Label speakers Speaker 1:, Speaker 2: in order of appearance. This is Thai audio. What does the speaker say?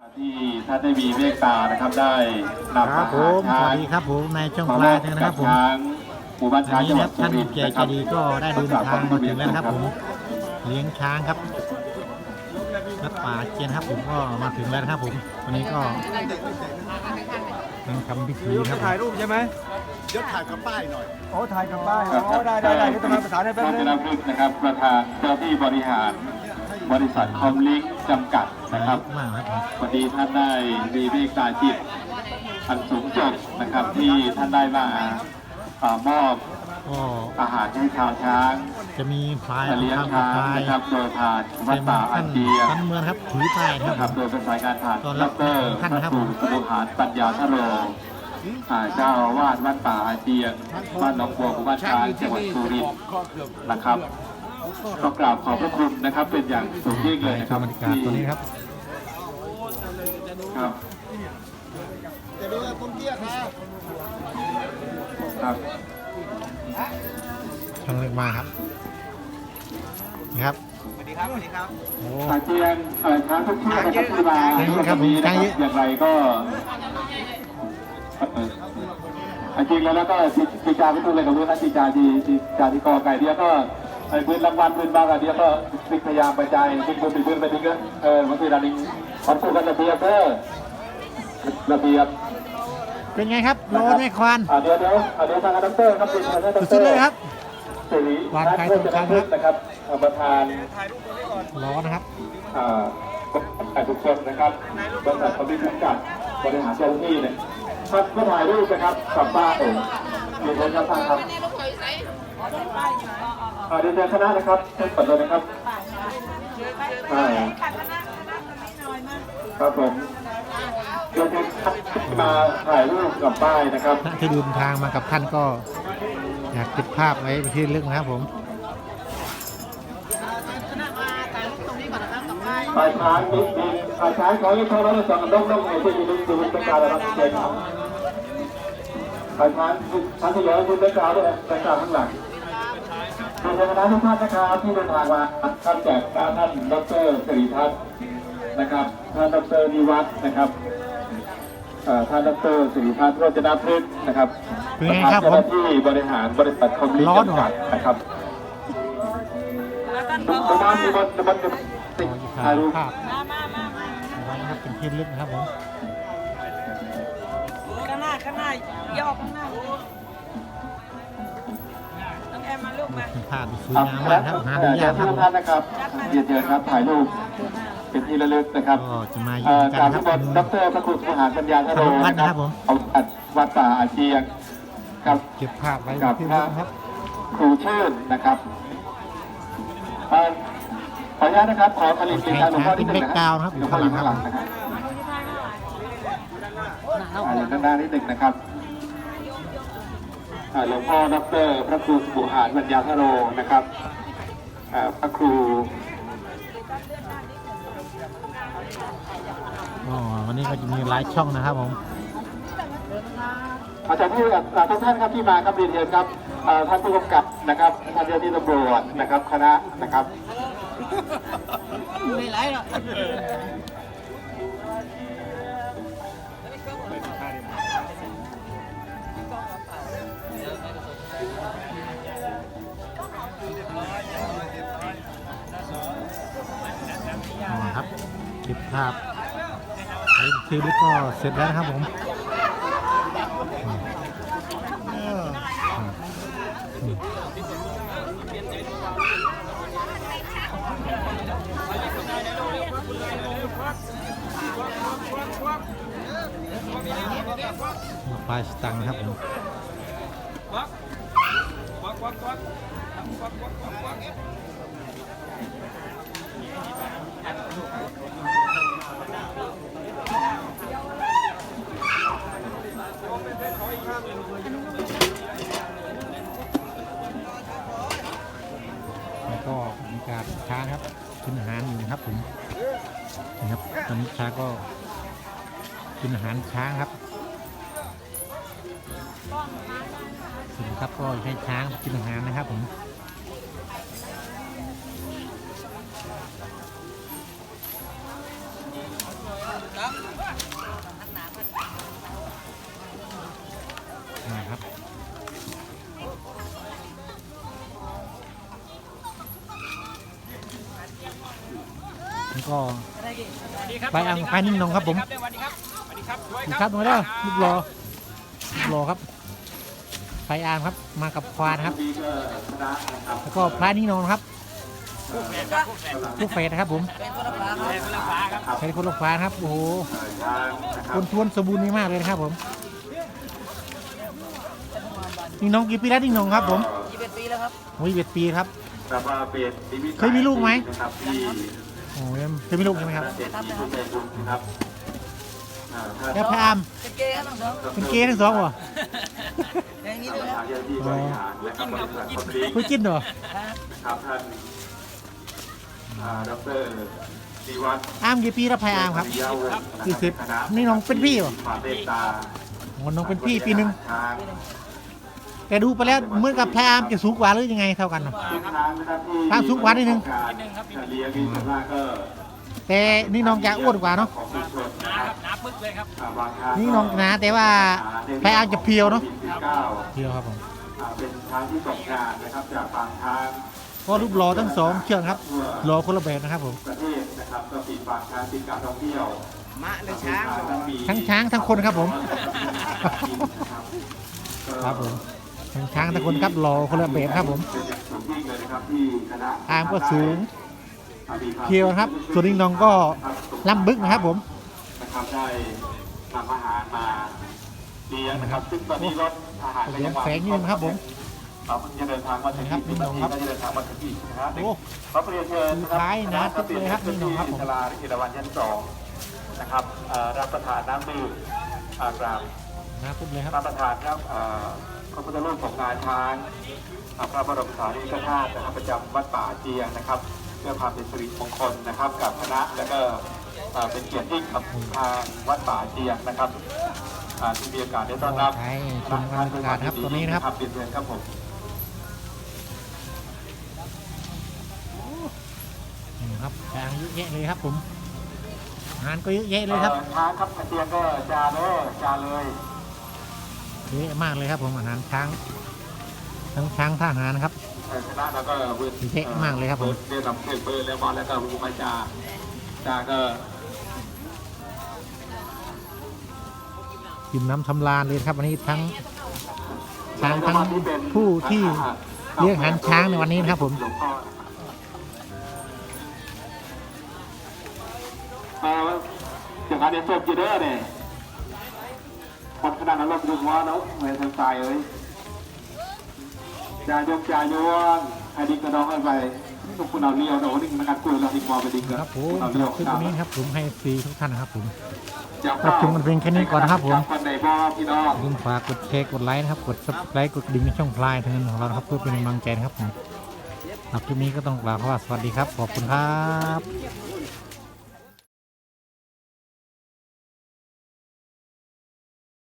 Speaker 1: ที่ท่านได้มีเมตตานะครับได้นำ
Speaker 2: ครับผมสวัสดีครับผมในช่องพลายนะครับผม
Speaker 1: หมู่บ้านช้างจังหวัดสุ
Speaker 2: ท่าน
Speaker 1: รินทร์
Speaker 2: เกียร
Speaker 1: นะ
Speaker 2: ติ
Speaker 1: ค
Speaker 2: ใจ
Speaker 1: รับ
Speaker 2: ดีก็ได้เดินทางมาถึงแล้วนะครับผมเลี้ยงช้างครับวัดป่าเจียนครับผมก็มาถึงแล้วนะครับผมวันนี้ก็ทำพิธีครับ
Speaker 3: ถ่ายรูปใช่ไหม
Speaker 4: เดี๋ยวถ่ายกับป้ายหน่อย
Speaker 3: โอ้ถ่ายกับป้ายโอ้ได้เดี๋ยวจะมาประสานให้แป๊บ
Speaker 1: ท่าน
Speaker 3: นึง
Speaker 1: ชนะพฤกษ์นะครับประธานเจ้าที่บริหารบริษัทคอมลิงก์จำกัดนะครับ
Speaker 2: มากครับผม
Speaker 1: วันนี้ท่านได้มีเมตตาจิตอันสูงส่งนะครับที่ท่านได้มามอบ
Speaker 2: ก็
Speaker 1: อาหารให้ชาวช้าง
Speaker 2: จะมีพลาย
Speaker 1: เลี้ยง
Speaker 2: ทำ
Speaker 1: ช้าง
Speaker 2: พลาย
Speaker 1: นะครับโดยผ่านวัดป่าอา
Speaker 2: ท่าน
Speaker 1: เจีย
Speaker 2: ท่านเมืองครับถือป้ายนะ
Speaker 1: นะค
Speaker 2: ค
Speaker 1: รั
Speaker 2: รั
Speaker 1: บบ โดยเป็นสายงานผ่าน
Speaker 2: ต้อน
Speaker 1: ด
Speaker 2: รับ
Speaker 1: ร
Speaker 2: ท่านนะครับ
Speaker 1: พระครูบุหารปัญญาทโรเจ้าอาวาสวัดป่าอาเจียงบ้านหนองบัวหมู่บ้านช้างจังหวัดสุรินทร์นะครับก็กราบขอบพระคุณนะครับเป็นอย่างสูงยิ่งเลยนะครับ
Speaker 2: บรรยากาศตัวนี้ครับ
Speaker 1: ครับ
Speaker 4: จะดูผมเตี้ยครับ
Speaker 1: ครับ
Speaker 2: ช่างเล็กมาครับนี่ครับ
Speaker 3: สวัสดีครับสวัสดีครับ
Speaker 2: โอ้
Speaker 1: อาเจียงช้างทุกเชือกนะครับที่มา
Speaker 2: ช้างเยอะครับผม
Speaker 1: วันนี้นะ
Speaker 2: ช้างเยอะ
Speaker 1: อย่างไรก็จริงแล้วก็จีจาไม่ถูกเลยกับเรื่องนั้นจีจาที่กอไก่เดียวก็ไอ้พื้นรางวัลพื้นบางอันเดียวก็พยายามไปใจพื้นไปทิ้งก็บางทีเราดิ้งคอนสู้กันระเบียบระเบียบ
Speaker 2: เป็นไงครับโลนแม่ควาน
Speaker 1: เดี๋ยวทางดรครับเป็นทางดร
Speaker 2: สุดๆเลยครับ
Speaker 1: สิริ
Speaker 2: วางไข่ตรงกลางครับ
Speaker 1: นะครับประธาน
Speaker 2: ร้อนนะครับ
Speaker 1: ทุกคนนะครับบริษัทคอมพิวเตอร์จัดบริหารเจ้าหน้าที่เนี่ยท่านก็ถ่ายรูปนะครับกับป้ายมีคนครับท่านครับเดี๋ยวเชิญคณะนะครับท่านเปิดเลยนะครับครับผมเดี๋ยวมาถ่ายรูปกับป้ายนะครับ
Speaker 2: ที่เดินทางมากับท่านก็อยากเก็บภาพไว้เป็นที่ระลึกนะครับผม
Speaker 1: ปลายช้างนิดนึงปลายช้างขอให้เขาแล้วสองต้องในที่ยืนดูเป็นการระดับเชิญครับปลายช้างท่านที่เหลือคุณเป็นกล่าวด้วยเป็นกล่าวข้างหลังขอบคุณคณะทุกท่านนะครับที่เดินทางมาท่านแจกท่านดร.สิริทัศน์นะครับท่านดร.นิวัฒน์นะครับท่านดร.สิริทัศน์โรจนพฤกษ์นะครับ
Speaker 2: เป็นไงครับ
Speaker 1: เจ้าหน้าที่บริหารบริษัทคอมมิวนิสต์จำกัดนะครับประมาณมีมันติด
Speaker 2: ถ่า
Speaker 1: ถ่าย ยรูป
Speaker 2: ภาพเอาไว้นะครับเป็นที่ระลึกนะครับผม
Speaker 5: ข้างหน้าย่อข้างหน้าน้องแอมมาลูกมา
Speaker 2: เป็นภาพที่สวยงามมากครับหาดูยากครับ
Speaker 1: ทุ
Speaker 2: ผม
Speaker 1: กท่านนะครับเรียนเชิญครับถ่ายรูปเป็นที่ระลึกนะครับ
Speaker 2: ก็จะมาอยู่กัน
Speaker 1: กราบ
Speaker 2: นะค
Speaker 1: ทุ
Speaker 2: รั
Speaker 1: ก
Speaker 2: บ
Speaker 1: คนดร.พระครูสุหารปัญญาทโร
Speaker 2: วัด
Speaker 1: นะ
Speaker 2: นะ
Speaker 1: ค
Speaker 2: ครั
Speaker 1: รับบ
Speaker 2: ผม
Speaker 1: เอาวัดป่าอาเจียงครับ
Speaker 2: เก็บภาพไว้เป็นที่ระลึกนะครับ
Speaker 1: ครูชื่นนะครับขออนุญาตนะครับขอผลิตสินค้าหลวงพ่อที่หนึ่งนะครับหลวงพ่ออยู่ข้างหลังนะครับอยู่ด้านหน้านิดหนึ่งนะครับหลวงพ่อดร.พระครูบุหารปัญญาทโรนะครับพระครู
Speaker 2: อ๋อวันนี้ก็จะมีหลายช่องนะครับผม
Speaker 1: อาจารย์ที่ทุกท่านครับที่มาครับเรียนเชิญครับท่านผู้กำกับนะครับท่านเจ้าหน้าที่ตำรวจนะครับคณะนะครับ
Speaker 5: ไม่ไรหรอก
Speaker 2: อ๋อครับเก็บภาพไว้ที่ระลึกก็เสร็จแล้วนะครับผมปลายสตังค์นะครับผม แล้วก็มีการช้างครับกินอาหารอยู่นะครับผมนะครับตอนนี้ช้างก็กินอาหารช้างครับสินครับก็ให้ช้างกินอาหารนะครับผมนะครับแล้วก็ไปอ่างไปนิ่งนองครับผมดูครับตรงนี้รูปรอครับไปอ่างครับมากับควานครับแล้วก็พระนิ่งนองครับลูกเฟสนะครับผมใช้คนละฟ้าครับโอ้โหคนทวนสมบูรณ์มากเลยนะครับผมนิ่งนองกี่ปีแล้วนิ่งนองครับผม21 ปีแล้วครับ21 ปีครับเคยมีลูกไหมโอ้ยเคยมีลูกใช่ไหมครับแล้วพระอามเป็นเกย์ทั้งสองเหรอคุยกินเหรอ
Speaker 1: ดร.ดีวัฒน์
Speaker 2: อามกี่ปีแล้วพระอามครับ40นี่น้องเป็นพี่เหรอน้องเป็นพี่ปีหนึ่งแต่ดูไปแล้วเหมือนกับพระอามจะสูงกว่าหรือยังไงเท่ากันเนาะพระสูงกว่านิดนึงแต่นี่น้องจะอ้วนกว่าเนาะนี่น้องหนาแต่ว่าพระอามจะเพียวเนาะเพียวครับผม
Speaker 1: เป็นช้างที่ตกงานนะครับจากบางทาง
Speaker 2: ก็รูปรอทั้งสองเชือกครับรอคนละแบบนะครับผม
Speaker 1: ประเทศนะครับก็ปิดบางทางปิดการท่องเที่ยว
Speaker 3: มะหรือช้าง
Speaker 2: ทั้งช้างทั้งคนครับผมครับผมทั้งช้างทั้งคนครับรอคนละแบบครับผมอามก็สูงเพียวครับส่วนนิ่งนองก็ล่ำบึกนะครับผม
Speaker 1: นะครับได้นำอาหารมาเลี้ยงนะครับซึ่งตอนนี้รถอาหาร
Speaker 2: เลี้ยงแฝงยืนครับผม
Speaker 1: เราจะเดินทางมาถึงที่นี่ก็จะเดินทางมาถึงที่นะครับขอเรียนเชิญนะครับ
Speaker 2: นะครับเลยครับนี่น้องครับผม
Speaker 1: ศาลาอิรวันชั้น2นะครับรับประทานน้ำดื่มกราบ
Speaker 2: นะครับเลยครับ
Speaker 1: รับประทานครับพระพุทธรูปของงาช้างพระบรมสารีริกธาตุนะครับประจำวัดป่าเจียงนะครับเพื่อความเป็นสิริมงคลนะครับกับคณะแล้วก็เป็นเกียรติยิ่งกับทางวัดป่าเจียงนะครับที่มีโอกาสได้ต้อนรับ
Speaker 2: ชมบรรยากาศครับตรงนี้นะครับ
Speaker 1: เปลี่ยนเชิญครับผม
Speaker 2: นี่ครับทางเยอะแยะเลยครับผมงานก็เยอะแยะเลยครับ
Speaker 1: ช้างครับเตียงก็จาเลย
Speaker 2: เยอะมากเลยครับผมอาหารช้างทั้งช้างทหารนะครับ
Speaker 1: คณะแล้วก็
Speaker 2: เยอะมากเลยครับผม
Speaker 1: เรียนลำเพลินเปิดแล้วบอลแล้วก็บุกมาจาก็
Speaker 2: กินน้ำทำลานเลยครับวันนี้ทั้งช้างทั้งผู้ที่เลี้ยงอาหารช้างในวันนี้นะครับผม
Speaker 1: จากการเดินสดจีเดอร์เนี่ยคนขนาดนั้นเราดูว่าเนาะเหมือนทางตายเลยจ่ายยวงให้ดิ้งกระดองไปทุกคนเอาเลี้ยวเนาะดิ้งมันกัดกุยเราดิ้งมอไปดิ้ง
Speaker 2: ครับผมคลิปนี้ครับผมให้ฟรีทุกท่านนะครับผมรับชมกันเพียงแค่นี้ก่อนนะครับผมลืมฝากกดแชร์กดไลค์นะครับกด Subscribe กดดิ่งในช่องพลายทางเงินของเราครับเพื่อเป็นกำลังใจนะครับผมคลิปนี้ก็ต้องกล่าวว่าสวัสดีครับขอบคุณครับ